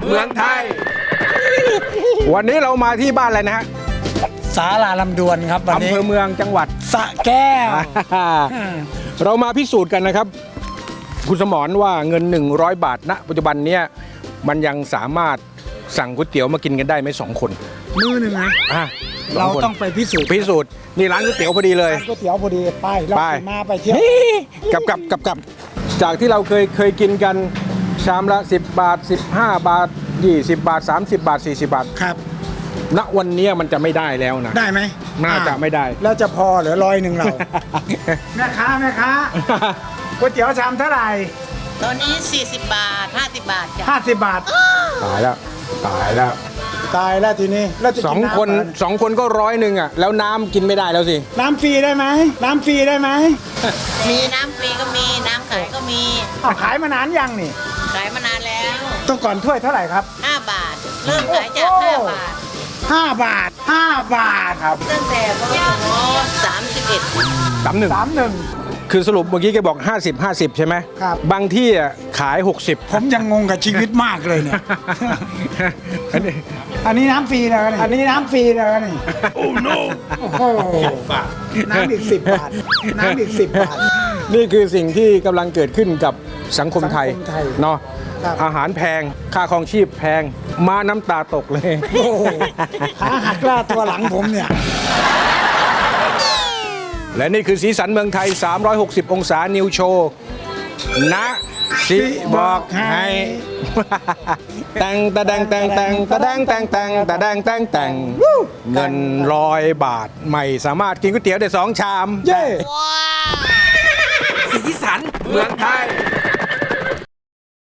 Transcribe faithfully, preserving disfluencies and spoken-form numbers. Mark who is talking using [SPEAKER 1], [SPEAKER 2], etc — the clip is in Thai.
[SPEAKER 1] เมืองไทยวันนี้เรามาที่บ้านอะไรนะฮะ
[SPEAKER 2] ศาลาลำดวนครับวันนี้
[SPEAKER 1] อำเภอเมืองจังหวัด
[SPEAKER 2] สระแก้ว
[SPEAKER 1] เรามาพิสูจน์กันนะครับคุณสมรว่าเงินหนึ่งร้อยบาทณปัจจุบันเนี้ยมันยังสามารถสั่งก๋วยเตี๋ยวมากินกันได้ไหมสองคน
[SPEAKER 2] มือหนึ่งนะเราต้องไปพิสูจน์
[SPEAKER 1] พิสูจน์นี่ร้านก๋วยเตี๋ยวพอดีเลย
[SPEAKER 2] ก๋วยเตี๋ยวพอดีไปเรามาไปเที่ยว
[SPEAKER 1] กับกับกับกับจากที่เราเคยเคยกินกันชามละสิบบาทสิบห้าบาทยี่สิบบาทสามสิบบาทสี่สิบบาท
[SPEAKER 2] ครับ
[SPEAKER 1] ณวันนี้มันจะไม่ได้แล้วนะ
[SPEAKER 2] ได้ไหม
[SPEAKER 1] น่าจะไม่ได้
[SPEAKER 2] แล้วจะพอเหลือร้อยหนึ่งเราแม่ค้าแม่ค้าก๋วยเตี๋ยวชามเท่าไหร่
[SPEAKER 3] ตอนนี้สี่สิบบาทห้าสิบบาทจ้ะ
[SPEAKER 2] ห้าสิบบาท
[SPEAKER 1] ตายแล้วตายแล้ว
[SPEAKER 2] ตายแล้วทีนี้แล้วจะ
[SPEAKER 1] สองคนสองคนก็ร้อยหนึ่งอ่ะแล้วน้ำกินไม่ได้แล้วสิ
[SPEAKER 2] น้ำฟรีได้ไหมน้ำฟรีได้ไหม
[SPEAKER 3] มีน้ำฟรีก็มีน้ำขายก็มี
[SPEAKER 2] ขายมานานยังนี่
[SPEAKER 3] ขายมานานแล้ว
[SPEAKER 2] ต้องก่อนถ้วยเท่าไหร่ครับ
[SPEAKER 3] ห้าบาทเริ่มขายจากห้าบาท
[SPEAKER 2] ห้าบาทห้าบาทครับ
[SPEAKER 3] ตั้งแต่พศสามสิบเอ็ด
[SPEAKER 1] สามหนึ่ง
[SPEAKER 2] สามหนึ่ง
[SPEAKER 1] คือสรุปเมื่อกี้แกบอกห้าสิบ ห้าสิบใช่ไหม
[SPEAKER 2] ครับ
[SPEAKER 1] บางที่อ่ะขายหกสิบ
[SPEAKER 2] ผมยังงงกับชีวิตมากเลยเนี่ยอันนี้อันนี้น้ำฟรีแล้วนี่อันนี้น้ำฟรีแล้วนี่โอ้ no โอ้โหน้ำอีกสิบบาทน้ำอีกสิบบาท
[SPEAKER 1] นี่คือสิ่งที่กำลังเกิดขึ้นกับสังคมไทยเนาะอาหารแพงค่าครองชีพแพงมาน้ำตาตกเลย
[SPEAKER 2] ขาหักล่าตัวหลังผมเนี่ย
[SPEAKER 1] และนี่คือสีสันเมืองไทยสามร้อยหกสิบองศานิวโชว์นะสิบอกให้แต่งตะแดงแต่งแต่งตะแดงแต่งแต่งตะแดงแต่งแต่งเงินร้อยบาทไม่สามารถกินก๋วยเตี๋ยวได้สองชาม
[SPEAKER 2] เย้
[SPEAKER 1] สีสันเมืองไทย